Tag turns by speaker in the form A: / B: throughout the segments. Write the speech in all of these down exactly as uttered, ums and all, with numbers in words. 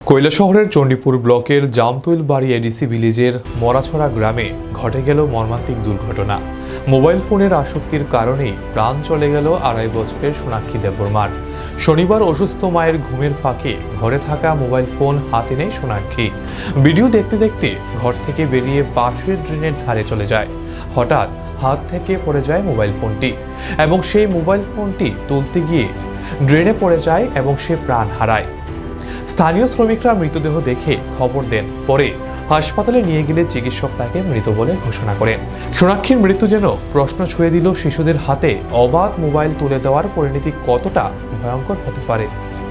A: কৈলাসহরের চণ্ডীপুর ব্লকের জামতৈলবাড়ি এডিসি ভিলেজের মরাছড়া গ্রামে ঘটে গেল মর্মান্তিক দুর্ঘটনা। মোবাইল ফোনের আসক্তির কারণেই প্রাণ চলে গেল আড়াই বছরের সোনাক্ষী দেববর্মার। শনিবার অসুস্থ মায়ের ঘুমের ফাঁকে ঘরে থাকা মোবাইল ফোন হাতে নেয় সোনাক্ষী। ভিডিও দেখতে দেখতে ঘর থেকে বেরিয়ে পাশের ড্রেনের ধারে চলে যায়। হঠাৎ হাত থেকে পড়ে যায় মোবাইল ফোনটি এবং সেই মোবাইল ফোনটি তুলতে গিয়ে ড্রেনে পড়ে যায় এবং সে প্রাণ হারায়। স্থানীয় শ্রমিকরা মৃতদেহ দেখে খবর দেন। পরে হাসপাতালে নিয়ে গেলে চিকিৎসক তাকে মৃত বলে ঘোষণা করেন। সোনাক্ষীর মৃত্যু যেন প্রশ্ন ছুঁয়ে দিল শিশুদের হাতে অবাধ মোবাইল তুলে দেওয়ার পরিণতি কতটা ভয়ঙ্কর হতে পারে।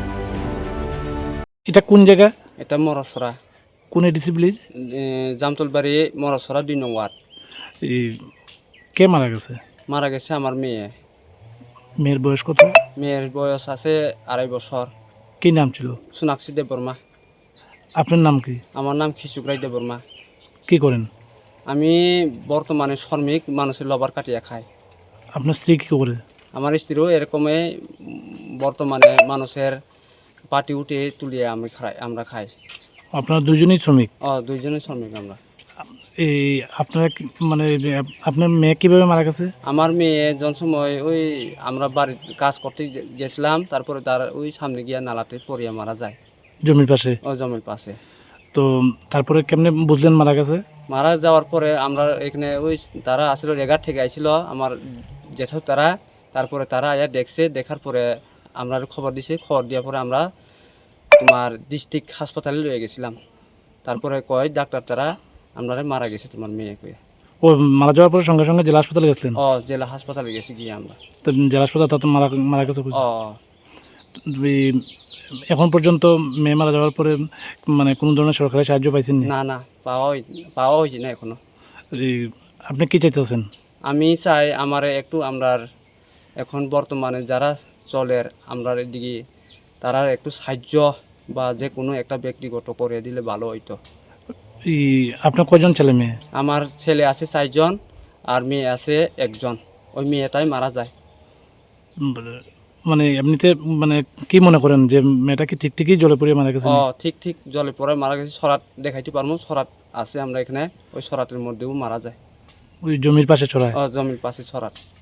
B: এটা কোন জায়গা?
C: এটা মরাছড়া।
B: কোন এডিসি ভিলেজ?
C: জামতলবাড়ি মরাছড়া দুই নং ওয়ার্ড।
B: এই কে মারা গেছে?
C: মারা গেছে আমার মেয়ে।
B: মেয়ের বয়স কত?
C: মেয়ের বয়স আছে আড়াই বছর।
B: কি নাম ছিল?
C: সোনাক্ষী দেববর্মা।
B: আপনার নাম কি?
C: আমার নাম খিচুকরাই দেববর্মা।
B: কি করেন?
C: আমি বর্তমানে শ্রমিক, মানুষের লবার কাটিয়া খাই।
B: আপনার স্ত্রী কি করে?
C: আমার স্ত্রীও এরকমই বর্তমানে মানুষের পাটি উঠে তুলিয়ে আমি খাই, আমরা খাই।
B: আপনারা দুজনেই শ্রমিক?
C: ও দুইজনেই শ্রমিক আমরা।
B: এই আপনারা কি- মানে আপনার মেয়ে কিভাবে মারা গেছে?
C: আমার মেয়ে যখন সময় ওই আমরা বাড়ির কাজ করতে গে- গেছিলাম, তারপরে তার ওই সামনে গিয়া নালাতে পড়িয়া মারা যায়।
B: জমির পাশে?
C: ও জমির পাশে।
B: তো তারপরে কেমনে বুঝলেন মারা গেছে?
C: মারা যাওয়ার পরে আমরা এখানে ওই তারা আসলে রেগার থেকে আইছিল আমার জেঠু তারা, তারপরে তারা আয়া দেখছে, দেখার পরে আমরা খবর দিছে, খবর দেওয়ার পরে আমরা তোমার ডিস্ট্রিক্ট হাসপাতালে লয়ে গেছিলাম। তারপরে কয় ডাক্তার তারা আমরা মারা গেছে তোমার মেয়ে কয়ে।
B: ও মারা যাওয়ার পরে সঙ্গে সঙ্গে জেলা হাসপাতালে গেছিলেন?
C: ও জেলা হাসপাতালে গেছি গিয়ে আমরা।
B: তো জেলা হাসপাতাল তাতে মারা মারা গেছে বুঝলেন?
C: ও
B: এই এখন পর্যন্ত মেয়ে মারা যাওয়ার পরে মানে কোনো ধরনের সরকারি সাহায্য পাইছেন না?
C: না না পাওয়া হই পাওয়া হয়েছে না এখনো।
B: এই আপনি কি চাইতেছেন?
C: আমি চাই আমার একটু আমরার এখন বর্তমানে যারা চলের আমরার এদিকে তারা একটু সাহায্য বা যে কোনো একটা ব্যক্তিগত করে দিলে ভালো হইতো।
B: এই আপনার কয়জন ছেলে মেয়ে?
C: আমার ছেলে আছে চারজন আর মেয়ে আছে একজন। ওই মেয়েটাই মারা যায়।
B: উম, মানে এমনিতে মানে কি মনে করেন যে মেয়েটা কি ঠিক ঠিকই জলে পড়ে মারা গেছে?
C: ও ঠিক ঠিক জলে পড়ে মারা গেছে। সরাত দেখাইতে পারবো, সরাত আছে আমরা এখানে, ওই সরাতের মধ্যেও মারা যায়।
B: ওই জমির পাশে ছড়ায়?
C: ও জমির পাশে সরাত।